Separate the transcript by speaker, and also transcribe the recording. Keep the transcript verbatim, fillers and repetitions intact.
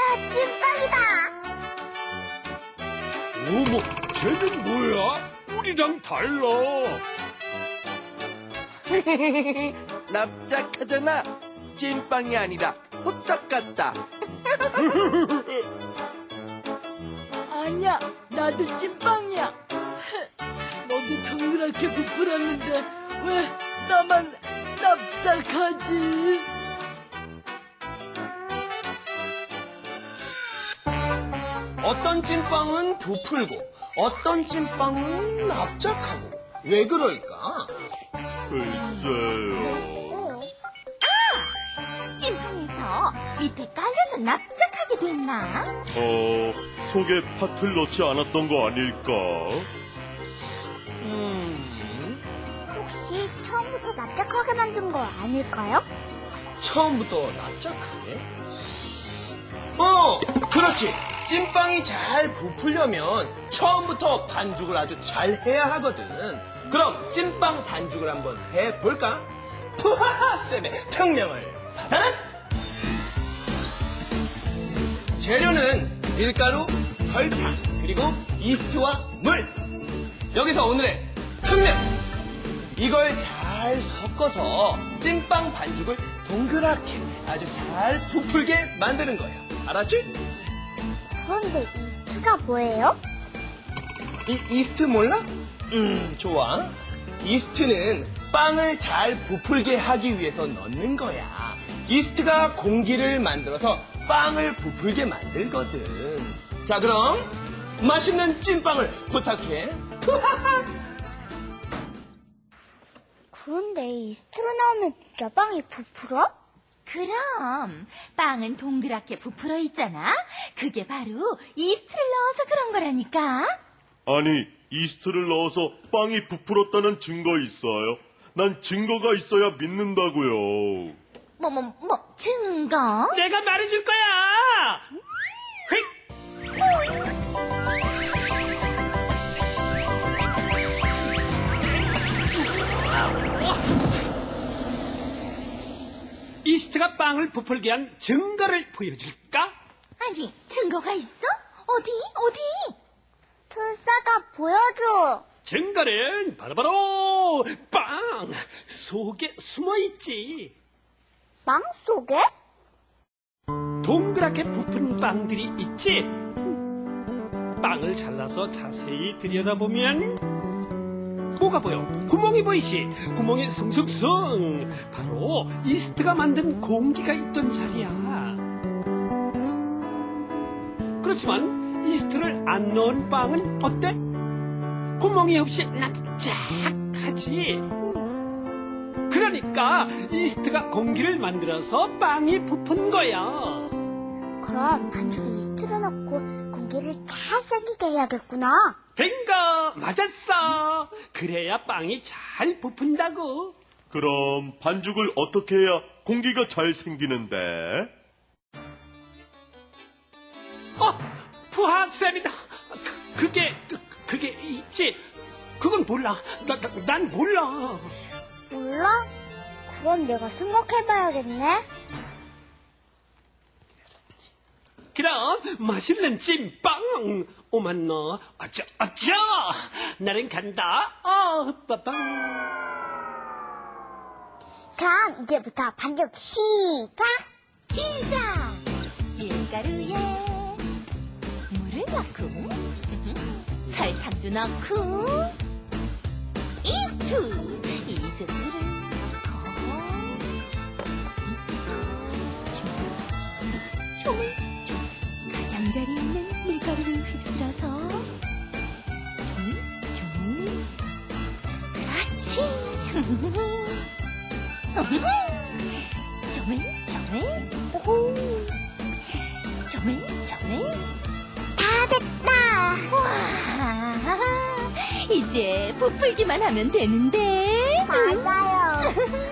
Speaker 1: 찐빵이다.
Speaker 2: 어머, 쟤는 뭐야? 우리랑 달라.
Speaker 3: 납작하잖아. 찐빵이 아니라 호떡 같다.
Speaker 4: 아니야, 나도 찐빵이야. 너도 동그랗게 부풀었는데 왜 나만 납작하지?
Speaker 5: 어떤 찐빵은 부풀고 어떤 찐빵은 납작하고 왜 그럴까?
Speaker 2: 글쎄요.
Speaker 1: 찐빵에서 밑에 깔려서 납작하게 됐나?
Speaker 2: 어, 속에 팥을 넣지 않았던 거 아닐까?
Speaker 5: 음,
Speaker 1: 혹시 처음부터 납작하게 만든 거 아닐까요?
Speaker 5: 처음부터 납작하게? 어, 그렇지. 찐빵이 잘 부풀려면 처음부터 반죽을 아주 잘 해야 하거든. 그럼 찐빵 반죽을 한번 해볼까? 푸하하 쌤의 특명을 받아라! 재료는 밀가루, 설탕, 그리고 이스트와 물. 여기서 오늘의 특명! 이걸 잘 섞어서 찐빵 반죽을 동그랗게 아주 잘 부풀게 만드는 거예요. 알았지?
Speaker 1: 그런데 이스트가 뭐예요?
Speaker 5: 이 이스트 몰라? 음, 좋아. 이스트는 빵을 잘 부풀게 하기 위해서 넣는 거야. 이스트가 공기를 만들어서 빵을 부풀게 만들거든. 자, 그럼 맛있는 찐빵을 부탁해.
Speaker 1: 그런데 이스트로 나오면 진짜 빵이 부풀어?
Speaker 6: 그럼 빵은 동그랗게 부풀어 있잖아. 그게 바로 이스트를 넣어서 그런 거라니까.
Speaker 2: 아니, 이스트를 넣어서 빵이 부풀었다는 증거 있어요? 난 증거가 있어야 믿는다고요.
Speaker 6: 뭐, 뭐, 뭐, 증거?
Speaker 7: 내가 말해줄 거야. 휙. 이스트가 빵을 부풀게 한 증거를 보여줄까?
Speaker 6: 아니, 증거가 있어? 어디, 어디?
Speaker 1: tul사가 보여줘.
Speaker 7: 증거는 바로바로 빵 속에 숨어있지.
Speaker 1: 빵 속에?
Speaker 7: 동그랗게 부푼 빵들이 있지. 빵을 잘라서 자세히 들여다보면 뭐가 보여? 구멍이 보이지? 구멍에 숭숭숭 바로 이스트가 만든 공기가 있던 자리야. 그렇지만 이스트를 안 넣은 빵은 어때? 구멍이 없이 납작하지. 그러니까 이스트가 공기를 만들어서 빵이 부푼 거야.
Speaker 1: 그럼 반죽에 이스트를 넣고 공기를 잘 생기게 해야겠구나.
Speaker 7: 뱅거 맞았어. 그래야 빵이 잘 부푼다고.
Speaker 2: 그럼 반죽을 어떻게 해야 공기가 잘 생기는데?
Speaker 7: 어, 푸하쌤이다. 그, 그게 그, 그게 있지. 그건 몰라. 나, 나, 난 몰라.
Speaker 1: 몰라? 그럼 내가 생각해봐야겠네.
Speaker 7: 그럼 맛있는 찐빵 오만 너 어쩌 어쩌 나는 간다. 어 빠빵.
Speaker 1: 그럼 이제부터 반죽 시작!
Speaker 6: 시작! 밀가루에 물을 넣고 설탕도 넣고 이스트 이스트를 넣고 조물 가장자리 있는 밀가루를 휩쓸어서 조물 조물 그렇지. 조물 조물 오호 조물 조물
Speaker 1: 다 됐다!
Speaker 6: 와 이제 부풀기만 하면 되는데
Speaker 1: 맞아요.